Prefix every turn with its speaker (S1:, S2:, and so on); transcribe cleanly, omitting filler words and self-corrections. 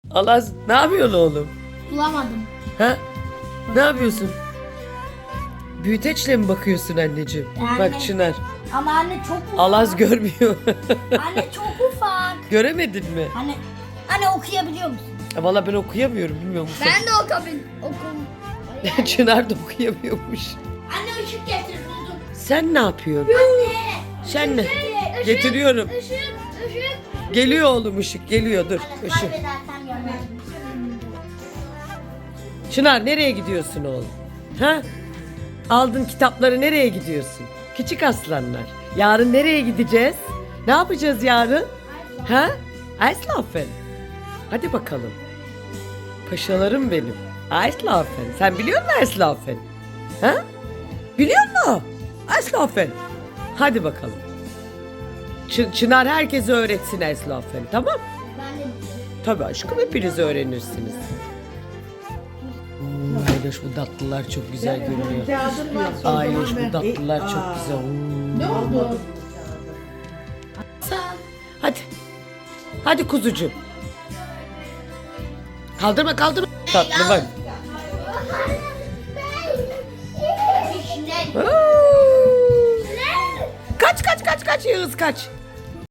S1: Alaz ne yapıyorsun oğlum?
S2: Bulamadım.
S1: Ha? Ne yapıyorsun? Büyüteçle mi bakıyorsun anneciğim?
S2: Yani-
S1: Bak Çınar.
S2: Ama anne çok ufak.
S1: Alaz görmüyor.
S2: Anne çok ufak.
S1: Göremedin mi?
S2: Anne okuyabiliyor musun?
S1: Valla ben okuyamıyorum, bilmiyor musun?
S2: Ben de okum.
S1: Çınar da okuyamıyormuş.
S2: Anne ışık getir buldum.
S1: Sen ne yapıyorsun?
S2: Anne.
S1: Sen ne? Getiriyorum.
S2: Işık.
S1: Geliyor oğlum, ışık geliyor, dur.
S2: Anne
S1: Işık.
S2: kaybedersem yanarım.
S1: Çınar nereye gidiyorsun oğlum? Ha? Aldın kitapları, nereye gidiyorsun? Küçük aslanlar. Yarın nereye gideceğiz? Ne yapacağız yarın? Ha? Eislaufen. Hadi bakalım. Paşalarım benim. Eislaufen. Sen biliyor musun Eislaufen? Ha? Biliyor musun? Eislaufen. Hadi bakalım. Çınar herkese öğretsin Eislaufen, tamam?
S2: Ben de biliyorum.
S1: Tabii aşkım, hepiniz öğrenirsiniz. Ayloş, bu tatlılar çok güzel görünüyor. Ayloş, bu tatlılar çok güzel.
S3: Ne oldu?
S1: Hadi. Hadi kuzucuğum. Kaldırma. Tatlı bak.
S2: İşte.
S1: Kaç Yağız kaç.